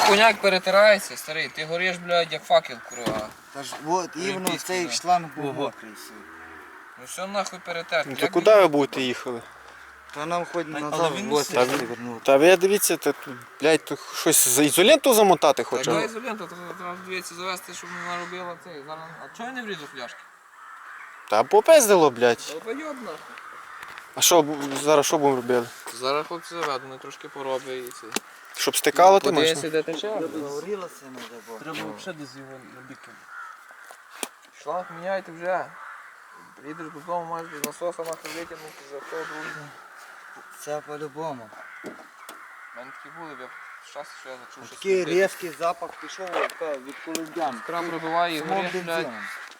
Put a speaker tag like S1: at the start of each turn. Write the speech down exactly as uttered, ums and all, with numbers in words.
S1: коняк перетирається, старий, ти гориш, блядь, як факел, курва.
S2: Та ж от іменно цей шланг був мокрий.
S1: Ну все нахуй перетерти.
S3: Ну то куди ви будете їхали?
S2: Та нам хоч
S4: але
S2: назад
S4: він
S2: в
S4: не
S2: гості
S3: сильний.
S2: вернути.
S3: Та ви дивіться, та, тут, блядь, тут щось за ізоленту замотати
S1: Така
S3: хоча.
S1: ізолента, треба дивитися завести, щоб не наробила цей. Зараз... А чого я не врізав фляшки?
S3: Та попиздило, блядь.
S1: Долбойоб нахуй.
S3: А що зараз що будемо робити?
S1: Зараз хлопці заведу, вони трошки пороблять і це.
S3: Щоб стикало ти
S1: Подивися,
S3: можна?
S1: де тече.
S2: Загорілося не дай
S4: Треба взагалі десь його на бік.
S1: Шланг міняйте вже. Їдеш додому, маєш без насоса нахуй витягнути, за хто другий.
S2: Це по-любому.
S1: У мене такі були, я щас, що я зачув, що
S2: Такий різкий запах пішов від колумбян.
S1: крам пробиває і
S2: Самого
S1: гориш, блядь.
S2: бензину.